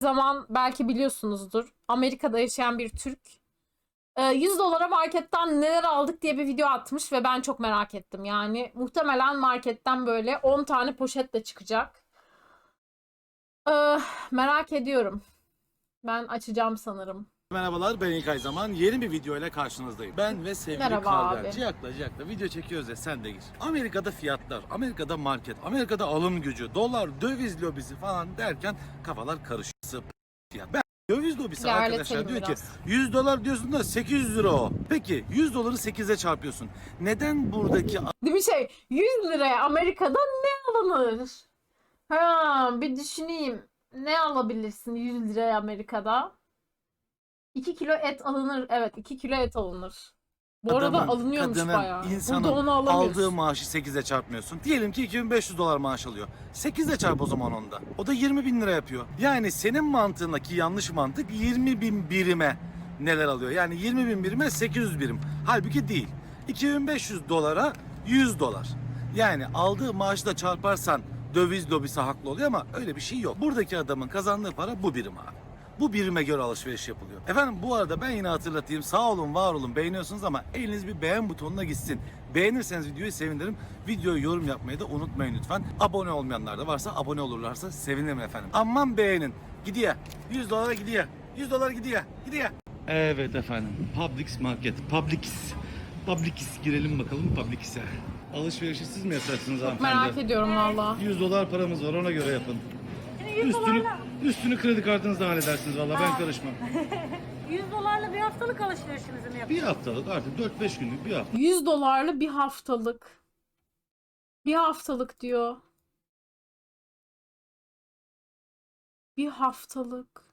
Zaman belki biliyorsunuzdur. Amerika'da yaşayan bir Türk. 100 dolara marketten neler aldık diye bir video atmış ve ben çok merak ettim. Yani muhtemelen marketten böyle 10 tane poşetle çıkacak. Merak ediyorum. Ben açacağım sanırım. Merhabalar, ben İlkay Zaman. Yeni bir video ile karşınızdayım. Ben ve sevgili Merhaba Karver. abi. Ciyakla video çekiyoruz ya, sen de gir. Amerika'da fiyatlar, Amerika'da market, Amerika'da alım gücü, dolar, döviz lobisi falan derken kafalar karışıyor. Fiyat. Ben döviz lobisi İlerletelim arkadaşlar diyor biraz. ki 100 dolar diyorsun da 800 lira o. Peki 100 doları 8'e çarpıyorsun. Neden buradaki Değil mi 100 liraya Amerika'da ne alınır? Bir düşüneyim. Ne alabilirsin 100 liraya Amerika'da? 2 kilo et alınır. Evet, 2 kilo et alınır. Bu arada adamın, alınıyormuş kadının, bayağı. Burada insanın onu alamıyoruz. aldığı maaşı 8'e çarpmıyorsun. Diyelim ki 2500 dolar maaş alıyor. 8'e çarp o zaman onda. O da 20 bin lira yapıyor. Yani senin mantığındaki yanlış mantık 20 bin birime neler alıyor? Yani 20 bin birime 800 birim. Halbuki değil. 2500 dolara 100 dolar. Yani aldığı maaşı da çarparsan döviz lobisi haklı oluyor ama öyle bir şey yok. Buradaki adamın kazandığı para bu birim abi. Bu birime göre alışveriş yapılıyor. Efendim bu arada ben yine hatırlatayım. Sağ olun, var olun, beğeniyorsunuz ama eliniz bir beğen butonuna gitsin. Beğenirseniz videoyu sevinirim. Videoyu yorum yapmayı da unutmayın lütfen. Abone olmayanlar da varsa abone olurlarsa sevinirim efendim. Aman beğenin. Gidiyor. 100 dolara gidiyor. 100 dolar gidiyor. Gidiyor. Evet efendim. Publix Market. Publix girelim bakalım Publix'e. Alışverişi siz mi yapacaksınız hanımefendi? Merak ediyorum valla. 100 dolar paramız var, ona göre yapın. Üstünü kredi kartınızla halledersiniz valla, ben karışmam. 100 dolarla bir haftalık alışverişimizi mi Bir yapıyoruz? haftalık artık 4-5 günlük bir hafta. 100 dolarlı bir haftalık. Bir haftalık diyor. Bir haftalık.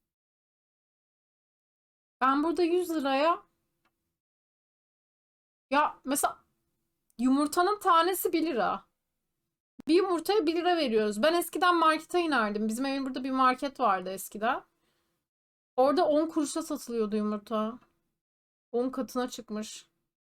Ben burada 100 liraya ya mesela yumurtanın tanesi 1 lira. Bir yumurtaya 1 lira veriyoruz. Ben eskiden markete inerdim. Bizim evin burada bir market vardı eskiden. Orada 10 kuruşa satılıyordu yumurta. 10 katına çıkmış.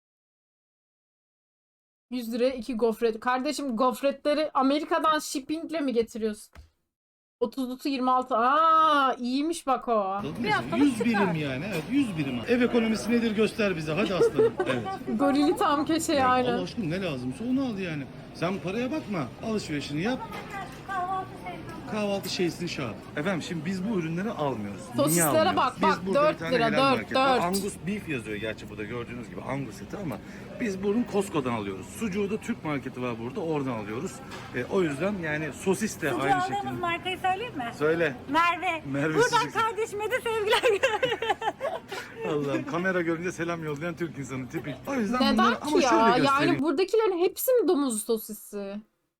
100 liraya 2 gofret. Kardeşim gofretleri Amerika'dan shippingle mi getiriyorsun? 30'lusu 26. İyiymiş bak o. Bir haftalık 100 çıkar. birim yani, evet 100 birim. Ev ekonomisi nedir göster bize, hadi aslanım. Evet. Gorili tam köşeye Allah aynen. aşkına ne lazımsa onu al yani. Sen paraya bakma, alışverişini yap. Kahvaltı sevdim. Kahvaltı şeysini şart. Efendim şimdi biz bu ürünleri almıyoruz. Sosislere Niye almıyoruz? bak, bak, Biz burada 4 bir tane lira, helal 4, market var. 4. Angus beef yazıyor gerçi burada gördüğünüz gibi, Angus eti, ama biz bunu Costco'dan alıyoruz. Sucuğu da Türk marketi var burada, oradan alıyoruz. O yüzden yani sosis de Sucuğu aynı aldığımız şekilde. markayı söyleyeyim mi? Söyle. Merve. Merve Buradan sucuk. kardeşime de sevgiler. Allah'ım, kamera görünce selam yollayan Türk insanı tipik. O yüzden Neden bunları, ki ama ya? şöyle göstereyim. Yani buradakilerin hepsi mi domuz sosisi?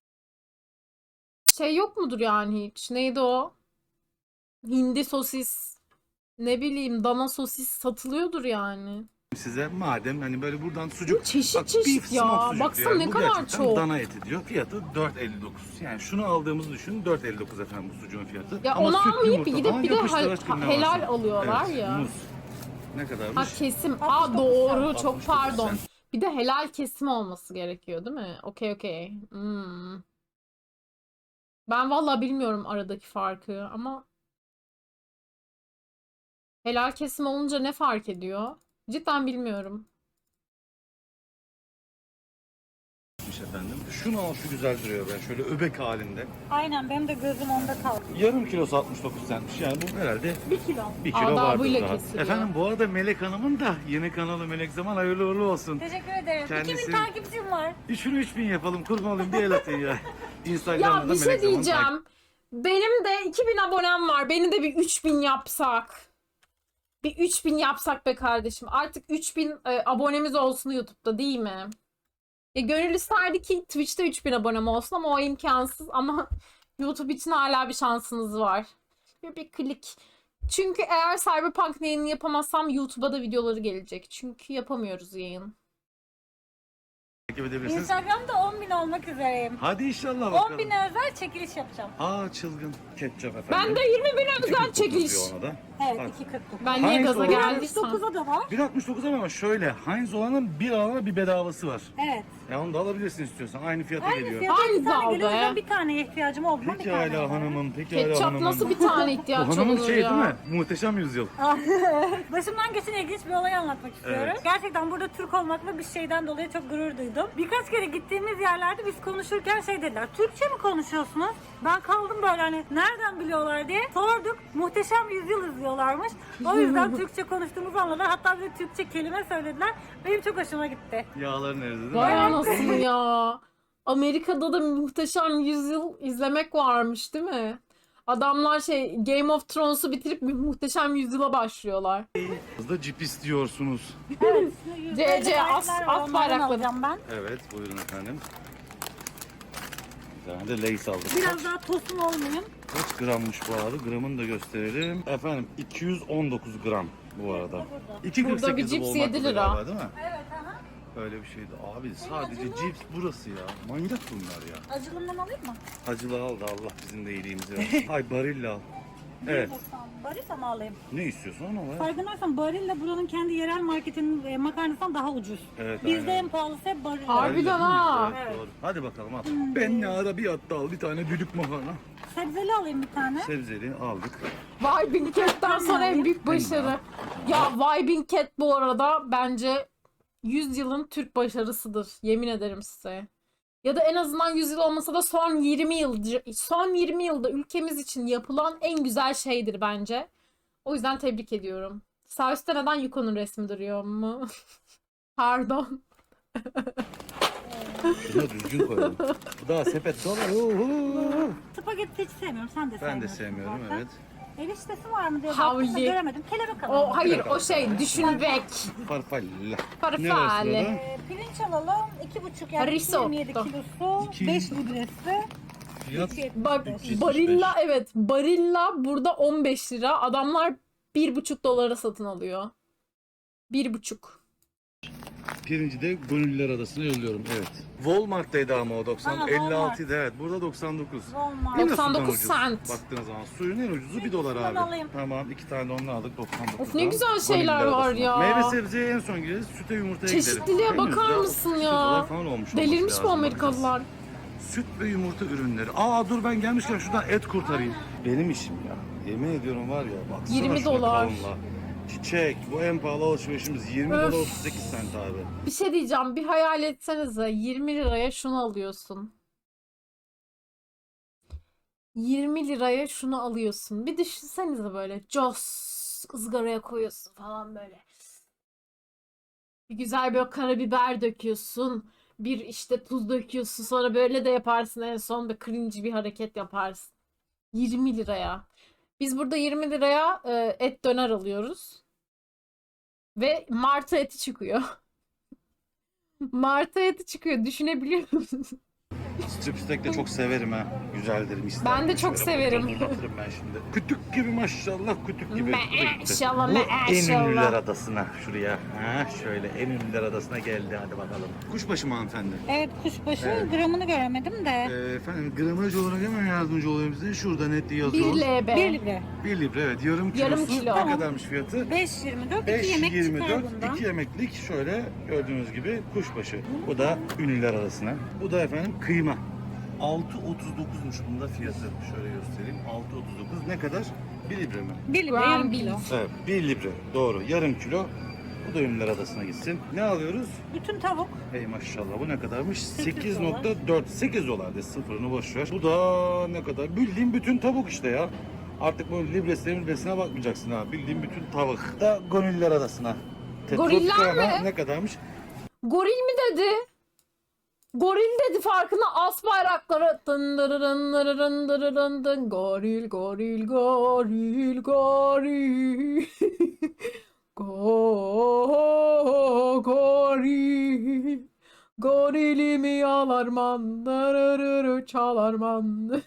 Şey yok mudur yani hiç? Neydi o? Hindi sosis. Ne bileyim dana sosis satılıyordur yani. Size madem hani böyle buradan sucuk. Çeşit Bak, çeşit beef ya. smoke sucuk Baksana diyor. ne Bu kadar gerçekten çok. dana eti diyor. Fiyatı 4.59. Yani şunu aldığımızı düşünün, 4.59 efendim bu sucuğun fiyatı. Ya Ama onu süt, almayıp yumurta gidip falan bir de yapıştır aşkım, ne helal varsa. alıyorlar Evet, ya. muz. Ne kadarmış? Ha kesim. 69 Doğru. sen. Çok 69 pardon. sen. Bir de helal kesim olması gerekiyor değil mi? Okey. Ben vallahi bilmiyorum aradaki farkı ama helal kesim olunca ne fark ediyor? Cidden bilmiyorum. Efendim. Şunu al, şu güzel duruyor ben şöyle öbek halinde. Aynen benim de gözüm onda kaldı. Yarım kilosu 69 centmiş. Yani bu herhalde 1 kilo. 1 kilo vardır Adabıyla daha. kesiliyor. Efendim bu arada Melek Hanım'ın da yeni kanalı Melek Zaman hayırlı uğurlu olsun. Teşekkür ederim. Kendisi- 2000 takipçim var. 3000 yapalım, kurban olayım, bir el atın ya. Instagram'da Ya da bir şey Melek Zaman diyeceğim. Benim de 2000 abonem var. Beni de bir 3000 yapsak. Bir 3000 yapsak be kardeşim. Artık 3000 abonemiz olsun YouTube'da değil mi? Gönül isterdi ki Twitch'te 3000 abonem olsun ama o imkansız. Ama YouTube için hala bir şansınız var. Bir klik. Çünkü eğer Cyberpunk yayını yapamazsam YouTube'a da videoları gelecek. Çünkü yapamıyoruz yayın. takip edebilirsiniz. Instagram'da 10.000 olmak üzereyim. Hadi inşallah bakalım. 10.000'e özel çekiliş yapacağım. Çılgın ketçap efendim. Ben de 20 bin İki özel kutu çekiliş. diyor ona da. Evet Bak. 2.49. Ben niye Heinz gaza olan- geldiysem. 1.69'a da var. 1.69 ama şöyle Heinz olanın bir alana bir bedavası var. Evet. Ya onu da alabilirsin istiyorsan. Aynı fiyata Aynı geliyor. fiyata Aynı iki tane dal geliyor. O be. yüzden bir taneye ihtiyacım olduğundan bir Peki tane hala var. hanımım, peki hala Ketçap hanımım. nasıl bir tane Bu ihtiyaç hanımın olur şey ya? değil mi? Muhteşem Yüzyıl. Başımdan geçen ilginç bir olay anlatmak istiyorum. Evet. Gerçekten burada Türk olmakla bir şeyden dolayı çok gurur duydum. Birkaç kere gittiğimiz yerlerde biz konuşurken şey dediler. Türkçe mi konuşuyorsunuz? Ben kaldım böyle hani nereden biliyorlar diye sorduk. Muhteşem Yüzyıl izliyorlarmış. O yüzden Türkçe konuştuğumuzu anladılar. Hatta bize Türkçe kelime söylediler. Benim çok hoşuma gitti. Yağların eridi değil mi? Vay anasını ya. Amerika'da da Muhteşem Yüzyıl izlemek varmış değil mi? Adamlar şey Game of Thrones'u bitirip bir Muhteşem Yüzyıl'a başlıyorlar. Hızlı cip istiyorsunuz. Evet. CC as at bayrakları. alacağım ben. Evet buyurun efendim. Bir tane de Lay's aldık. Biraz daha tosun olmayayım. Kaç grammış bu abi? Gramını da gösterelim. Efendim 219 gram bu arada. 2.48 Burada bir cips 7 lira. galiba, değil mi? Evet aha. Öyle bir şeydi. Abi sadece cips burası ya. Manyak bunlar ya. Acılımdan alayım mı? Acılı al da Allah bizim de iyiliğimizi versin. Hay Barilla al. Evet. Barilla mı alayım? Ne istiyorsun onu var. Farkındaysan Barilla buranın kendi yerel marketinin makarnasından daha ucuz. Evet, Bizde aynen. en pahalısı hep Barilla. Harbiden ha. Evet, Evet. doğru. Hadi bakalım al. Ben ne ara bir hatta al bir tane düdük makarna. Sebzeli alayım bir tane. Sebzeli aldık. Vibing Cat'ten sonra en büyük başarı. Ya Vibing Cat bu arada bence 100 yılın Türk başarısıdır. Yemin ederim size. Ya da en azından 100 yıl olmasa da son 20 yılda ülkemiz için yapılan en güzel şeydir bence. O yüzden tebrik ediyorum. Sağ üstte neden Yuko'nun resmi duruyor mu? Pardon. Şunu düzgün koyalım. Bu daha sepet dolu. Spagetti hiç sevmiyorum. Sen de Ben sevmiyorsun. de sevmiyorum zaten. evet. Eriştesi var mı diye Havli. baktım da göremedim. Kelebek alalım. O hayır o şey düşünmek. Farfalla. Farfalle. Pirinç alalım. 2,5 yani Risotto. 27 kilosu. İki- 5 libresi. Fiyat 3.75. Bak 375. Barilla evet Barilla burada 15 lira. Adamlar 1,5 dolara satın alıyor. 1,5. pirinci de Gönüllüler Adası'na yolluyorum evet. Walmart'taydı ama o 90 Ha, 56 idi evet burada 99. Walmart. Yine 99 sudan ucuz. cent. Baktığınız zaman suyun en ucuzu 1 dolar Şundan abi. alayım. Tamam 2 tane de onu aldık 99. Of ne güzel şeyler var ya. Meyve sebzeye en son gireriz süte yumurtaya gideriz. Çeşitliliğe Henüz bakar daha mısın 38 ya? dolar falan olmuş olması Delirmiş bu lazım, Amerikalılar. bakacağız. Süt ve yumurta ürünleri. Aa dur ben gelmişken şuradan et kurtarayım. Benim işim ya. Yemin ediyorum var ya baksana 20 şuna dolar. kalınlığa. Çiçek bu en pahalı alışverişimiz 20 Öf. dolar 38 sent abi. Bir şey diyeceğim. Bir hayal etsenize. 20 liraya şunu alıyorsun. 20 liraya şunu alıyorsun. Bir düşünsenize böyle. Cos ızgaraya koyuyorsun falan böyle. Bir güzel bir karabiber döküyorsun. Bir işte tuz döküyorsun. Sonra böyle de yaparsın. En son bir cringe bir hareket yaparsın. 20 liraya. Biz burada 20 liraya et döner alıyoruz. Ve martı eti çıkıyor. Martı eti çıkıyor. Düşünebiliyor musun? Strip steak de çok severim ha. Güzeldir mis. Ben de çok severim. Uzatırım ben şimdi. Kütük gibi maşallah kütük gibi. Bu da gitti. Maşallah, Bu en ünlüler maşallah. adasına şuraya. Ha şöyle en ünlüler adasına geldi hadi bakalım. Kuşbaşı mı hanımefendi? Evet kuşbaşı Evet. gramını göremedim de. Efendim gramaj olarak hemen yardımcı olayım size. Şurada net yazıyor. 1 LB. 1 libre. 1 libre evet yarım kilosu. Yarım kilo. Ne kadarmış fiyatı? 5.24 2 yemek çıkar 5.24 bundan. 2 yemeklik şöyle gördüğünüz gibi kuşbaşı. Bu da ünlüler arasına. Bu da efendim kıyma. 6.39'muş bunda fiyatı. Şöyle göstereyim. 6.39 ne kadar? 1 libre mi? 1 libre Gram yarım bil. kilo. Evet 1 libre doğru yarım kilo. Bu da ünlüler adasına gitsin. Ne alıyoruz? Bütün tavuk. Hey maşallah bu ne kadarmış? 8 8.4 8 dolar de sıfırını boş ver. Bu da ne kadar? Bildiğin bütün tavuk işte ya. Artık bu libresine bakmayacaksın ha. Bildiğin bütün tavuk. Da Gönüllüler Adası'na. Goriller Tetrotgrama mi? ne kadarmış? Goril mi dedi? Goril dedi farkına as bayrakları. Dın dırırın dırırın dırırın dın. Goril goril goril goril. Goril. Gorilimi yalarman. Dırırırı çalarman.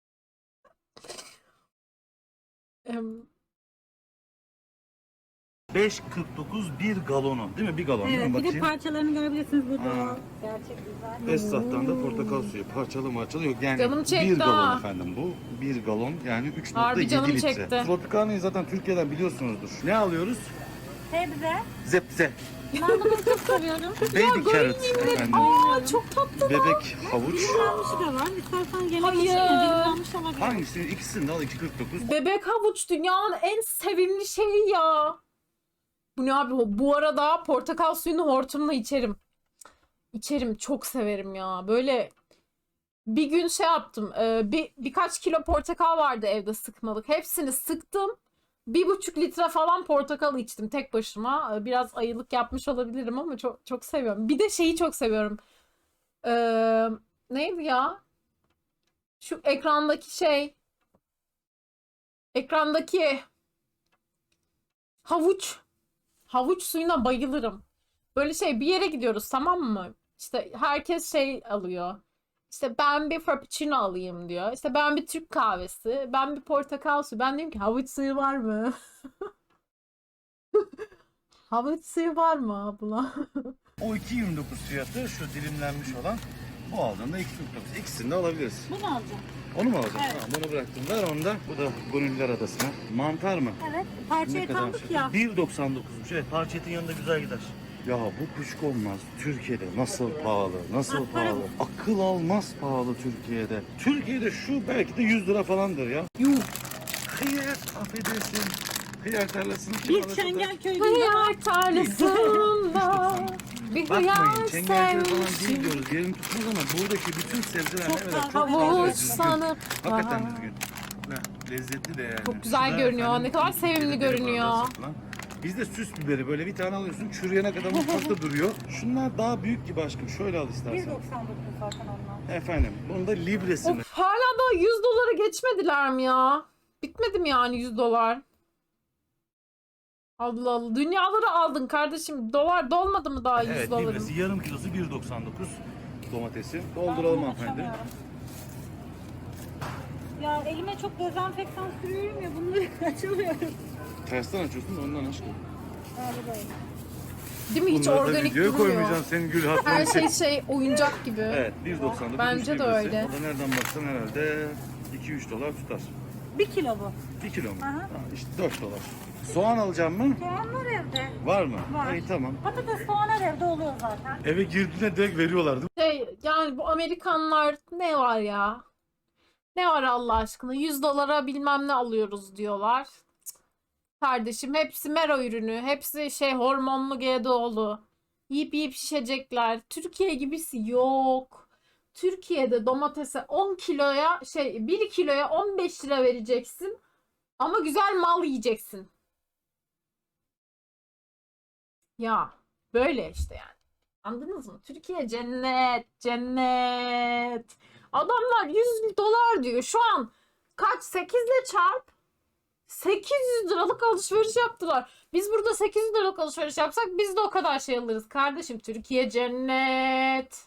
Em, 5.49 bir galonu. Değil mi? Bir galon değil mi? Evet, bir de Bakayım. parçalarını görebilirsiniz burada. Aa. Gerçek güzel. Esnaftan da portakal suyu. Parçalı marçalı yok. Yani Canım çekti bir galon ha. efendim bu. Bir galon yani 3.7 Harbi canım litre. çekti. Tropicano'yu zaten Türkiye'den biliyorsunuzdur. Ne alıyoruz? Sebze. Zepze. Ben de bunu çok seviyorum. Baby carrot efendim. Aa çok tatlı. Bebek havuç. Dilimlenmişi de var. İstersen yemek Hayır. için de dilimlenmiş olabilir. Hangisini? İkisini de al 2.49. Bebek havuç dünyanın en sevimli şeyi ya. Bu ne abi? Bu arada portakal suyunu hortumla içerim. İçerim. Çok severim ya. Böyle bir gün şey yaptım. Birkaç kilo portakal vardı evde sıkmalık. Hepsini sıktım. 1,5 litre falan portakal içtim tek başıma. Biraz ayılık yapmış olabilirim ama çok çok seviyorum. Bir de şeyi çok seviyorum. Neydi ya? Şu ekrandaki şey. Ekrandaki havuç. Havuç suyuna bayılırım. Böyle şey bir yere gidiyoruz tamam mı? İşte herkes şey alıyor. İşte ben bir frappuccino alayım diyor. İşte ben bir Türk kahvesi. Ben bir portakal suyu. Ben diyorum ki havuç suyu var mı? Havuç suyu var mı abla? O 2.29 fiyatı şu dilimlenmiş olan. Bu aldığında 2.49. İkisini de alabiliriz. Bunu alacağım. Onu mu alacaksın? Evet. Tamam, bunu bıraktım. Ver onu da. Bu da Gönüller Adası'na. Mantar mı? Evet. Parçayı kaldık ya. 1.99'muş. Evet, parça etin yanında güzel gider. Ya bu kuşku olmaz. Türkiye'de nasıl pahalı, nasıl Bak, para pahalı. Akıl almaz pahalı Türkiye'de. Türkiye'de şu belki de 100 lira falandır ya. Yuh. Hıyar, affedersin. Hıyar tarlasını kim Bir alır? Çengelköy'de Hıyar tarlasında bir Bakmayın, hıyar Çengelköy falan değil sevmişim. diyoruz. Yerini tutmaz ama buradaki bütün sebzeler Çok evet, fazla çok fazla Havuç düzgün. sanıp Hakikaten var. düzgün. Ne, lezzetli de yani. Çok güzel Şurada görünüyor. efendim, Ne kadar Türkiye'de sevimli deri görünüyor. bardağı satılan. Bizde süs biberi böyle bir tane alıyorsun çürüyene kadar mutfakta duruyor. Şunlar daha büyük gibi aşkım. Şöyle al istersen. 1.99 zaten onlar. Efendim bunun da libresi mi? Of, hala da 100 doları geçmediler mi ya? Bitmedi mi yani 100 dolar? Allah Allah. Dünyaları aldın kardeşim. Dolar dolmadı mı daha 100 Evet doların? libresi yarım kilosu 1.99 domatesi. Ben Dolduralım bunu hanımefendi. açamıyorum. Ya elime çok dezenfektan sürüyorum ya bunları açamıyorum. Tersten açıyorsun da ondan aşkım. Galiba. Değil mi? Hiç Bunları da organik videoya durmuyor. koymayacağım senin gül hatırın Her için. şey oyuncak gibi. Evet 1.99 Bence üç de libresi. öyle. O da nereden baksan herhalde 2-3 dolar tutar. 1 kilo bu. 1 kilo mu? Aha. Ha, işte 4 dolar. Soğan alacağım mı? Soğan var evde. Var mı? Var. İyi tamam. Patates soğan her evde oluyor zaten. Eve girdiğinde direkt veriyorlar değil mi? Yani bu Amerikanlar ne var ya? Ne var Allah aşkına? 100 dolara bilmem ne alıyoruz diyorlar. Cık. Kardeşim hepsi mero ürünü. Hepsi şey hormonlu GDO'lu. Yiyip yiyip şişecekler. Türkiye gibisi yok. Türkiye'de domatese 10 kiloya 1 kiloya 15 lira vereceksin. Ama güzel mal yiyeceksin. Ya böyle işte yani. Anladınız mı? Türkiye cennet, cennet. Adamlar 100 dolar diyor. Şu an kaç? 8 ile çarp. 800 liralık alışveriş yaptılar. Biz burada 800 liralık alışveriş yapsak biz de o kadar şey alırız. Kardeşim Türkiye cennet.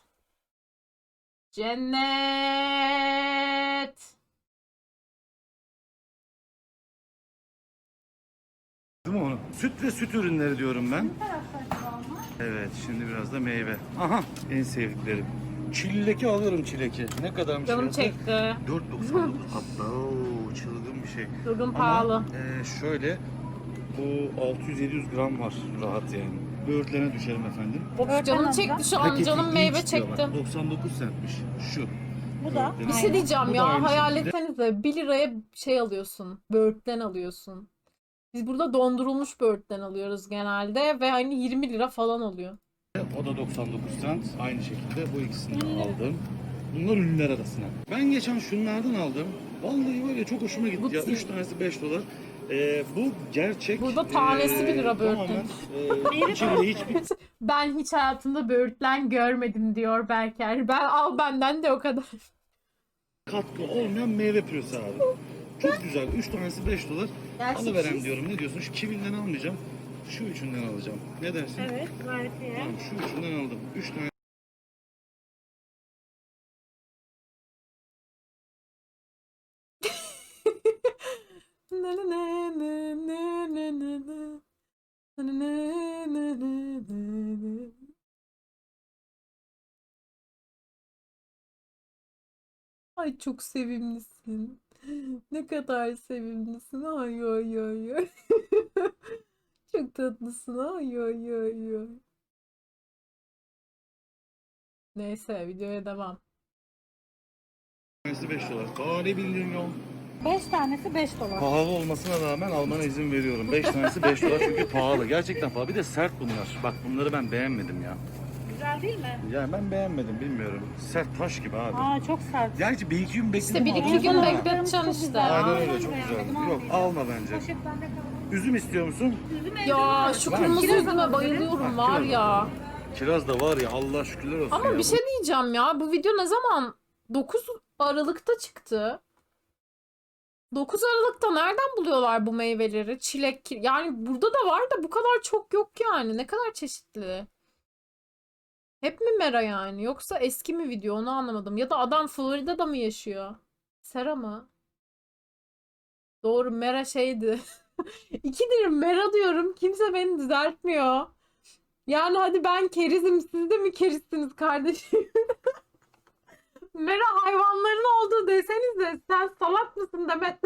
Cennet. Değil mi onu? Süt ve süt ürünleri diyorum ben. Bu tarafta acaba onlar? Evet şimdi biraz da meyve. Aha en sevdiklerim. Çileki alıyorum çileki. Ne kadarmış Canım fiyatı? çekti. 4.99 hatta çılgın bir şey. Durgun Ama pahalı. şöyle bu 600-700 gram var rahat yani. Böğürtlene düşerim efendim. Of canım alacağım. çekti şu an. Paketi Canım meyve inç diyor bak, çekti. 99 centmiş şu. Bu da. Böğürtlen. Bir şey diyeceğim Bu da ya. aynı Hayal şekilde. etsenize 1 liraya şey alıyorsun. Böğürtlen alıyorsun. Biz burada dondurulmuş böğürtlen alıyoruz genelde ve hani 20 lira falan oluyor. O da 99 cent. Aynı şekilde bu ikisini de aldım. Bunlar ünlüler arasına. Ben geçen şunlardan aldım. Vallahi var ya çok hoşuma gitti Bu ya. ti- 3 tanesi 5 dolar. Bu gerçek. Burada tanesi 1 lira böğürtlen. Tamamen içinde hiçbir Ben hiç hayatımda böğürtlen görmedim diyor Berker. Ben al benden de o kadar. katkı olmayan meyve püresi abi. Çok güzel. 3 tanesi 5 dolar. Gerçi Alıverem siz- diyorum. Ne diyorsun? Şu kivinden almayacağım. Şu üçünden alacağım. Ne dersin? Evet gayet iyi. Tamam şu üçünden aldım. 3 tane Ne ne ne ne ne ne ne. Ay çok sevimlisin. Ne kadar sevimlisin. Ay ay ay ay. Çok tatlısın. Ay ay ay ay. Neyse videoya devam. Tanesi 5 dolar. Aa ne bildiğin yol. 5 tanesi 5 dolar. Pahalı olmasına rağmen almana izin veriyorum. 5 tanesi 5 dolar çünkü pahalı. Gerçekten pahalı. Bir de sert bunlar. Bak bunları ben beğenmedim ya. Güzel değil mi? Yani ben beğenmedim bilmiyorum. Sert taş gibi abi. Aa çok sert. Gerçi bir iki gün bekledim. İşte bir iki aldım gün ama. bekleteceksin işte. Aynen Aynen öyle çok beğenmedim, güzel. Yok almayacağım. alma bence. Poşet bende kaldı. Üzüm istiyor musun? Üzüm evde Ya var. şu Var. kırmızı Kiraz üzüme alabilirim. bayılıyorum Bak, var kiraz ya. Kiraz da var ya Allah şükürler olsun Ama ya. bir şey diyeceğim ya. Bu video ne zaman? 9 Aralık'ta çıktı. 9 Aralık'ta nereden buluyorlar bu meyveleri? Çilek, yani burada da var da bu kadar çok yok yani. Ne kadar çeşitli. Hep mi Mera yani? Yoksa eski mi video onu anlamadım. Ya da adam Florida'da mı yaşıyor? Sera mı? Doğru Mera şeydi. İkidir Mera diyorum. Kimse beni düzeltmiyor. Yani hadi ben kerizim. Siz de mi kerizsiniz kardeşim? Mera hayvanların olduğu desenize. Sen salak mısın Demet?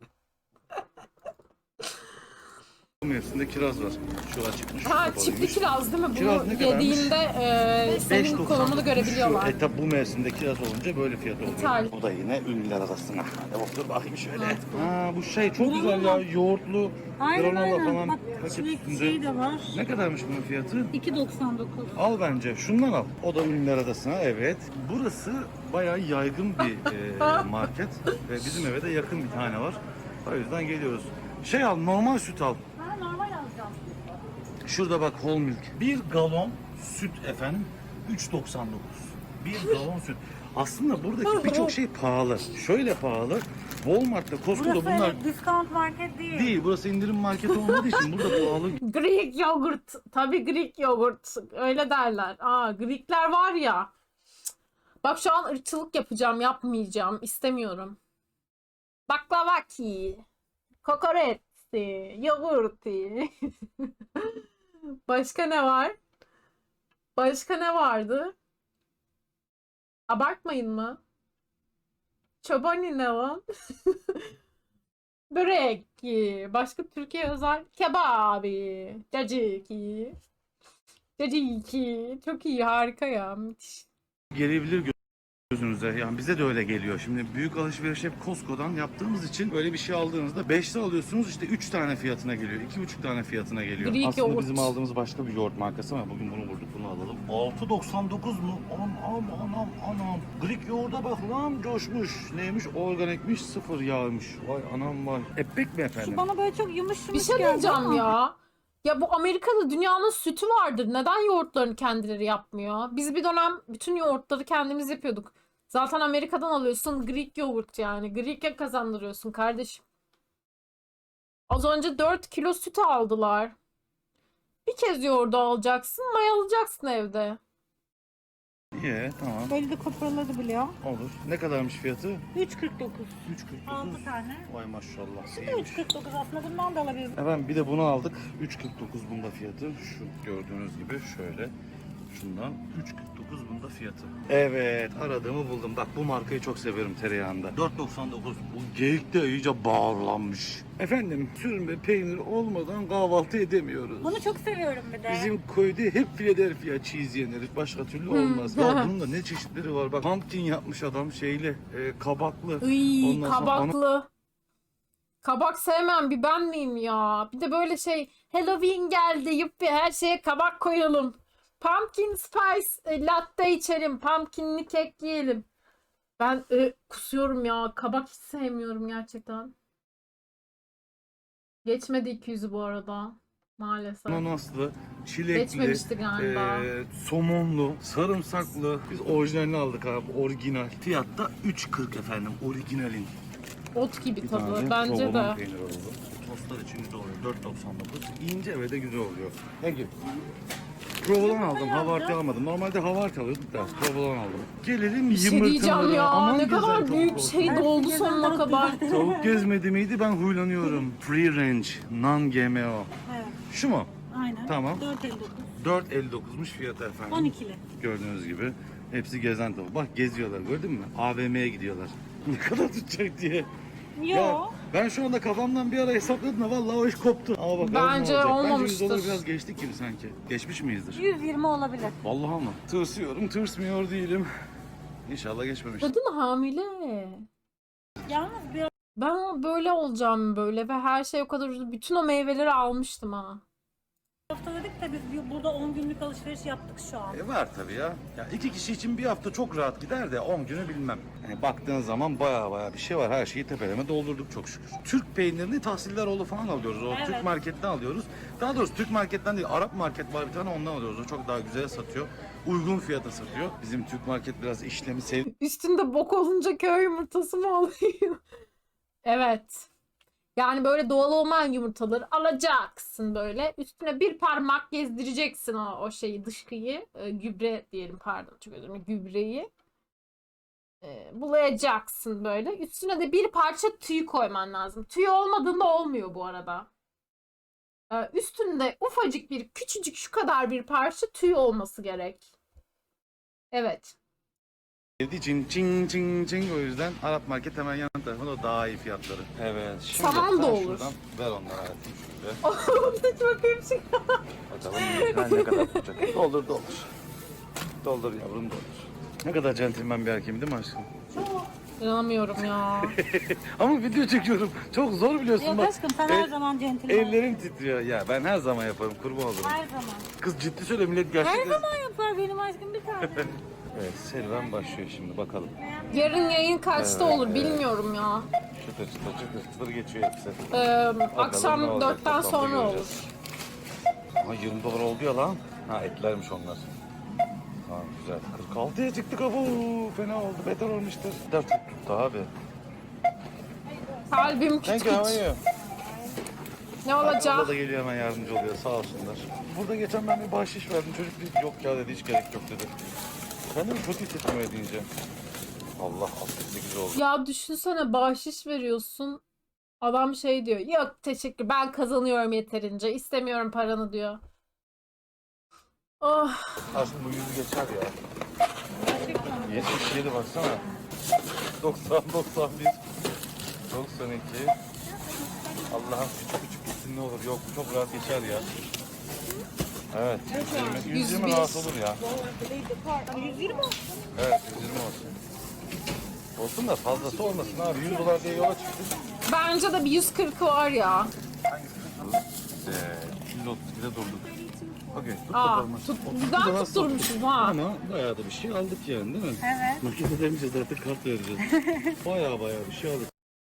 Bu mevsimde kiraz var. Şurada çıkmış. Ha kapalıymış. çiftli kiraz değil mi? Kiraz Bunu ne kadarmış? yediğinde senin 5.99 konumunu görebiliyorlar. Şu etap bu mevsimde kiraz olunca böyle fiyat oluyor. İthal. Bu da yine ünlüler arasına. Hadi otur bakayım şöyle. Mantıklı. Ha bu şey çok güzel ya. Yoğurtlu, Aynen granola aynen. falan. Bak paket çilek üstünde. şey de var. Ne kadarmış bunun fiyatı? 2.99. Al bence. Şundan al. O da ünlüler arasına. Evet. Burası bayağı yaygın bir market. Ve bizim eve de yakın bir tane var. O yüzden geliyoruz. Şey al, normal süt al. Ha normal alacağım. Şurada bak whole milk. Bir galon süt efendim 3.99. Bir galon süt. Aslında buradaki birçok şey pahalı. Şöyle pahalı. Walmart'ta, Costco'da Burası bunlar öyle discount market değil. değil. Burası indirim marketi olmadığı için burada pahalı. Greek yogurt. Tabii Greek yogurt. Öyle derler. Aa Greekler var ya. Bak şu an ırkçılık yapacağım. Yapmayacağım. İstemiyorum. Baklavaki. Kokoreçti. Yogurti. Başka ne var? Başka ne vardı? Abartmayın mı? Çobani ne lan? Börek. Başka Türkiye özel kebabi. Caciki. Caciki. Çok iyi, harika ya. Müthiş. Gelebilir gözünüze. Yani bize de öyle geliyor. Şimdi büyük alışveriş hep Costco'dan yaptığımız için böyle bir şey aldığınızda 5'te alıyorsunuz işte 3 tane fiyatına geliyor. 2,5 tane fiyatına geliyor. Greek Aslında yoğurt. bizim aldığımız başka bir yoğurt markası ama bugün bunu vurduk bunu alalım. 6.99 mu? Anam. Greek yoğurda bak lan coşmuş. Neymiş? Organikmiş, sıfır yağmış. Vay anam vay. Epek mi efendim? Şu bana böyle çok yumuş Bir yumuş şey geldi diyeceğim ama. ya. Ya bu Amerika'da dünyanın sütü vardır. Neden yoğurtlarını kendileri yapmıyor? Biz bir dönem bütün yoğurtları kendimiz yapıyorduk. Zaten Amerika'dan alıyorsun Greek yoğurt yani. Greek'e kazandırıyorsun kardeşim. Az önce 4 kilo süt aldılar. Bir kez yoğurdu alacaksın, mayalayacaksın evde. İyi tamam Böyle de koparladı biliyor. olur. Ne kadarmış fiyatı? 3.49. 3.49. 6 tane. Vay maşallah. Bu da 3.49 aslında bundan da alabiliriz. Efendim bir de bunu aldık. 3.49 bunda fiyatı. Şu gördüğünüz gibi şöyle. Şundan 3.49 bunda fiyatı. Evet aradığımı buldum. Bak bu markayı çok severim tereyağında. 4.99. Bu geyik de iyice bağırlanmış. Efendim sürme peynir olmadan kahvaltı edemiyoruz. Bunu çok seviyorum bir de. Bizim köyde hep Philadelphia cheese yenir. Başka türlü olmaz. Ya bunun da ne çeşitleri var. Bak pumpkin yapmış adam şeyle kabaklı. Iy, Ondan sonra kabaklı. Kabak sevmem bir ben miyim ya? Bir de böyle şey Halloween geldi yuppi her şeye kabak koyalım. Pumpkin spice latte içelim. Pumpkinli kek yiyelim. Ben kusuyorum ya. Kabak hiç sevmiyorum gerçekten. Geçmedi 200'ü bu arada. Maalesef. ananaslı, çilekli, Geçmemişti galiba. somonlu, sarımsaklı. Biz orijinalini aldık abi. Orijinal. Fiyatta 3.40 efendim. Orijinalin. Ot gibi Bir tadı. tane Bence provolone de. peyniri oldu. Tostlar için güzel oluyor. 4.99. İnce ve de güzel oluyor. Thank you. Provolone aldım. Havarti almadım. Normalde havarti alıyorduk da provolone aldım. Gelelim Bir şey diyeceğim yumurtalara. ya. Aman Ne güzel kadar tavuk büyük olsun. şey doldu sonuna kadar. Tavuk gezmedi miydi ben huylanıyorum. Free range, non GMO. Evet. Şu mu? Tamam. 4.59. 4.59'muş fiyatı efendim. 12'li. Gördüğünüz gibi. Hepsi gezen tavuk. Bak geziyorlar, gördün mü? AVM'ye gidiyorlar. Ne kadar tutacak diye. Yo. Ya ben şu anda kafamdan bir ara hesapladım da vallahi o iş koptu. Ama bakalım Bence ne olacak. olmamıştır. Bence 100 dolar biraz geçtik gibi sanki. Geçmiş miyizdir? 120 olabilir. Vallahi ama. Tırsıyorum, tırsmıyor değilim. İnşallah geçmemiştir. Kadın hamile. Yalnız bir Ben böyle olacağım böyle ve her şey o kadar ucuz. Bütün o meyveleri almıştım ha. hafta dedik de biz burada 10 günlük alışveriş yaptık şu an. Var tabii ya. Ya 2 kişi için bir hafta çok rahat gider de 10 günü bilmem. Yani baktığın zaman baya bir şey var. Her şeyi tepeleme doldurduk çok şükür. Türk peynirini Tahsilleroğlu falan alıyoruz. O Evet. Türk marketten alıyoruz. Daha doğrusu Türk marketten değil, Arap market var bir tane, ondan alıyoruz. O çok daha güzel satıyor. Uygun fiyata satıyor. Bizim Türk market biraz işlemi Üstünde bok olunca köy yumurtası mı oluyor? Evet. Yani böyle doğal olmayan yumurtaları alacaksın böyle. Üstüne bir parmak gezdireceksin o şeyi, dışkıyı. Gübre diyelim, pardon, çok özür dilerim. Gübreyi. Bulayacaksın böyle. Üstüne de bir parça tüy koyman lazım. Tüy olmadığında olmuyor bu arada. Üstünde ufacık bir, küçücük şu kadar bir parça tüy olması gerek. Evet. sevdiği için çing o yüzden Arap market hemen yan tarafında, o daha iyi fiyatları. Evet. Şimdi Saman da sen olur. şuradan ver onlara hayatım şöyle. Hiç bakayım şimdi. Bakalım ne kadar tutacak. Doldur. Doldur yavrum doldur. Ne kadar centilmen bir erkeğim değil mi aşkım? İnanamıyorum ya. Ama video çekiyorum. Çok zor biliyorsun Yok bak. aşkım sen her zaman centilmen. Ellerim titriyor. Ya ben her zaman yaparım, kurban olurum. Her zaman. Kız ciddi söyle, millet Her gerçekten. zaman yapar benim aşkım bir tane. Evet, serüven başlıyor şimdi, bakalım. Yarın yayın kaçta Evet, olur evet. bilmiyorum ya. Çıtır geçiyor hepsi. Akşam ne olacak, 4'ten toplamda sonra olur. göreceğiz. Ama 20 dolar oldu ya lan. Ha, etlermiş onlar. Ha, güzel. 46'ya çıktık abu. Fena oldu. Beter olmuştur. Çok tuttu abi. Kalbim küt Thank you, how küt. are you? Ne Abla olacak? da geliyor, hemen yardımcı oluyor, sağ olsunlar. Burada geçen ben bir bahşiş verdim. Çocuk dedi yok ya dedi, hiç gerek yok dedi. Kendimi kötü hissettim öyle deyince. Allah 68 oldu. Ya düşünsene, bahşiş veriyorsun. Adam şey diyor. Yok teşekkür, ben kazanıyorum yeterince. İstemiyorum paranı diyor. Oh. Aslında bu yüzü geçer ya. 77 baksana. 90, 91, 92. Allah'ım küçük gitsin ne olur. Yok, çok rahat geçer ya. Evet, 120, 120 rahat olur ya. 120 olsun. Evet, 120 olsun. Olsun da fazlası olmasın abi. 100 dolar diye yola çıktık. Bence de bir 140'ı var ya. Hangisi tuttu? 132'de durduk. Okey, tut Aa, bakalım. tut, 32 güzel daha tutturmuşuz ha. Ama bayağı da bir şey aldık yani, değil mi? Evet. Nakit ödemeyeceğiz artık, kart vereceğiz. Bayağı bir şey aldık.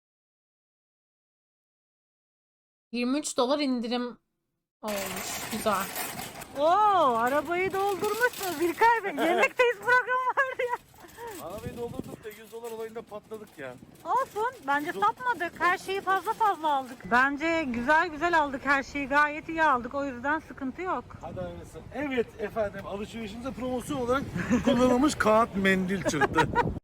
23 dolar indirim olmuş. Güzel. Oo, arabayı doldurmuşsunuz İlkay Bey. Yemekteyiz programı vardı ya. Arabayı doldurduk da 100 dolar olayında patladık ya. Olsun. Bence satmadık. Her şeyi fazla aldık. Bence güzel aldık her şeyi. Gayet iyi aldık. O yüzden sıkıntı yok. Hadi hayırlısı. Evet efendim, alışverişimize promosyon olarak kullanılmış kağıt mendil çıktı.